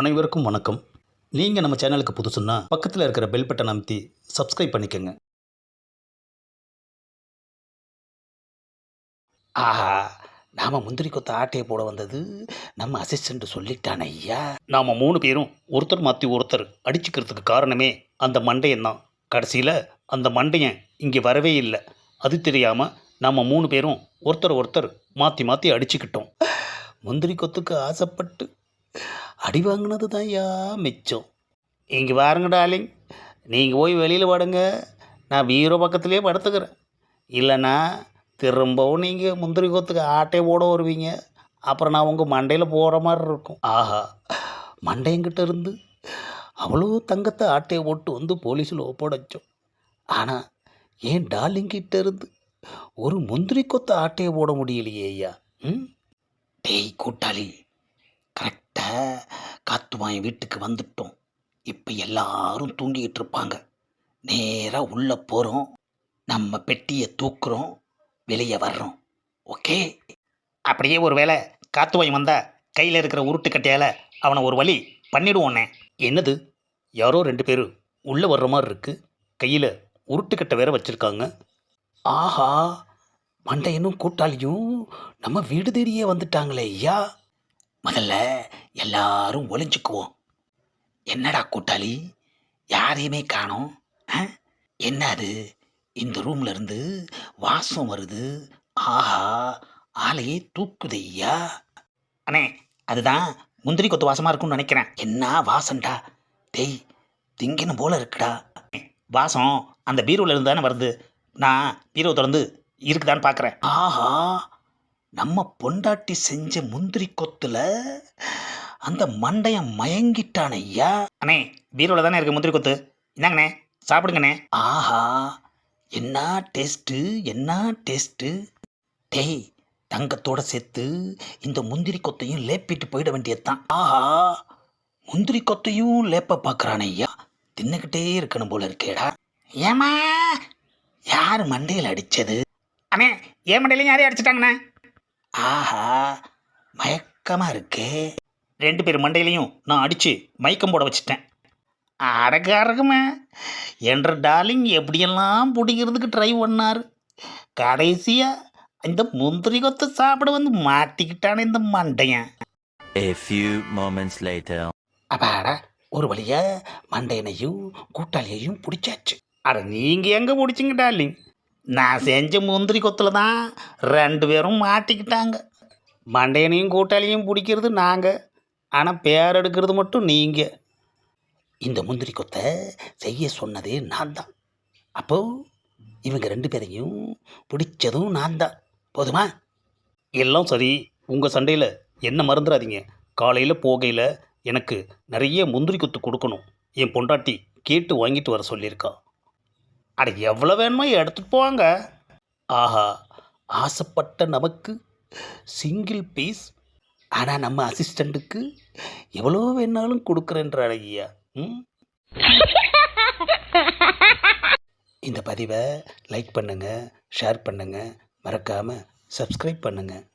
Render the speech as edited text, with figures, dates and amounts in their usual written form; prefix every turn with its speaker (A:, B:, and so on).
A: அனைவருக்கும் வணக்கம். நீங்கள் நம்ம சேனலுக்கு புதுசுன்னா பக்கத்தில் இருக்கிற பெல் பட்டன் அமைத்தி சப்ஸ்கிரைப் பண்ணிக்கோங்க.
B: ஆஹா, நாம முந்திரி கொத்த ஆட்டையை போட வந்தது நம்ம அசிஸ்டண்ட் சொல்லிட்டான ஐயா.
A: நாம் 3 பேரும் ஒருத்தர் மாற்றி ஒருத்தர் அடிச்சுக்கிறதுக்கு காரணமே அந்த மண்டையன் தான். கடைசியில் அந்த மண்டையன் இங்கே வரவே இல்லை. அது தெரியாமல் நாம் 3 பேரும் ஒருத்தர் மாற்றி மாற்றி அடிச்சுக்கிட்டோம்.
B: முந்திரி கொத்துக்கு ஆசைப்பட்டு அடி வாங்கினது தான் ஐயா மிச்சம்.
A: இங்கே பாருங்க டார்லிங், நீங்கள் போய் வெளியில் படுங்க, நான் பீரோ பக்கத்துலேயே படுத்துக்கிறேன். இல்லைன்னா திரும்பவும் நீங்கள் முந்திரி கொத்துக்கு ஆட்டையை போட வருவீங்க. அப்புறம் நான் உங்கள் மண்டையில் போகிற மாதிரி இருக்கும்.
B: ஆஹா, மண்டையங்கிட்ட இருந்து அவ்வளோ தங்கத்தை ஆட்டையை போட்டு வந்து போலீஸில் ஒப்படைச்சோம். ஆனால் ஏன் டார்லிங்கிட்ட இருந்து ஒரு முந்திரி கொத்த ஆட்டையை போட முடியலையே ஐயா. டேய் கூட்டாளி, கரெக்டாக காத்துவாயன் வீட்டுக்கு வந்துட்டோம். இப்போ எல்லாரும் தூங்கிக்கிட்டு இருப்பாங்க. நேராக உள்ளே போகிறோம், நம்ம பெட்டியை தூக்குறோம், வெளியே வர்றோம். ஓகே?
A: அப்படியே ஒரு வேளை காத்துவாய் வந்தால் கையில் இருக்கிற உருட்டுக்கட்டையால் அவனை ஒரு வழி பண்ணிடுவோன்னே. என்னது, யாரோ 2 பேர் உள்ளே வர்ற மாதிரி இருக்குது. கையில் உருட்டுக்கட்டை வேற வச்சுருக்காங்க.
B: ஆஹா, மண்டையனும் கூட்டாளியும் நம்ம வீடு தேடியே வந்துட்டாங்களே ஐயா. முதல்ல எல்லாரும் ஒளிஞ்சுக்குவோம். என்னடா கூட்டாளி, யாரையுமே காணோம். என்ன அது, இந்த ரூம்ல இருந்து வாசம் வருது. ஆஹா, ஆளையே தூக்குது ஐயா.
A: அண்ணே, அதுதான் முந்திரி கொத்து வாசமாக இருக்கும்னு நினைக்கிறேன்.
B: என்ன வாசம்டா? டேய், திங்கணும் போல இருக்குடா.
A: வாசம் அந்த பீரோவில் இருந்து தானே வருது. நான் பீரோ திறந்து இருக்குதான்னு பார்க்குறேன்.
B: ஆஹா, நம்ம பொண்டாட்டி செஞ்ச முந்திரி கொத்துல அந்த மண்டையன் மயங்கிட்டான் ஐயா.
A: அண்ணே, பீரோவில் தானே இருக்குது முந்திரி கொத்து. இந்தாங்கண்ணே, சாப்பிடுங்கண்ணே.
B: ஆஹா, என்ன டேஸ்ட்டு, என்ன டேஸ்ட்டு. டேய், தங்கத்தோட சேர்த்து இந்த முந்திரி கொத்தையும் லேப்பிட்டு போயிட வேண்டியதுதான். ஆஹா, முந்திரி கொத்தையும் லேப்ப பார்க்குறான் ஐயா. தின்னுக்கிட்டே இருக்கணும் போல இருக்கேடா. ஏமா, யார் மண்டையில் அடித்தது?
A: அண்ணே, ஏன் மண்டையிலையும் யாரையும் அடிச்சிட்டாங்கண்ணே.
B: ஆஹா, மயக்கமாக இருக்கே.
A: 2 பேர் மண்டையிலையும் நான் அடித்து மயக்கம் போட வச்சுட்டேன். அடக்காரகமே, என்ற டார்லிங் எப்படியெல்லாம் பிடிக்கிறதுக்கு ட்ரை பண்ணார். கடைசியாக இந்த முந்திரி கொத்து சாப்பிட வந்து மாட்டிக்கிட்டானே இந்த மண்டையன்.
C: A few moments later.
B: அப்பாடா, ஒரு வழியா மண்டையனையும் கூட்டாளியையும் பிடிச்சாச்சு.
A: அட நீங்கள் எங்கே பிடிச்சிங்க டார்லிங்? நான் செஞ்ச முந்திரி கொத்தில் தான் 2 பேரும் மாட்டிக்கிட்டாங்க. மண்டையனையும் கூட்டாளியும் பிடிக்கிறது நாங்கள், ஆனால் பேர் எடுக்கிறது மட்டும் நீங்கள்.
B: இந்த முந்திரி கொத்தை செய்ய சொன்னதே நான் தான். அப்போ இவங்க 2 பேரையும் பிடிச்சதும் நான் தான். போதுமா?
A: எல்லாம் சரி, உங்கள் சண்டையில் என்ன மறந்துடாதீங்க. காலையில் போகையில் எனக்கு நிறைய முந்திரி கொத்து கொடுக்கணும். என் பொண்டாட்டி கேட்டு வாங்கிட்டு வர சொல்லியிருக்கா. அட எவ்வளோ வேணுமோ எடுத்துகிட்டு போவாங்க.
B: ஆஹா, ஆசைப்பட்ட நமக்கு சிங்கிள் பீஸ். ஆனால் நம்ம அசிஸ்டண்ட்டுக்கு எவ்வளோ வேணாலும் கொடுக்குறேன்ற அழகியா. இந்த பதிவை லைக் பண்ணுங்கள், ஷேர் பண்ணுங்கள், மறக்காமல் சப்ஸ்கிரைப் பண்ணுங்கள்.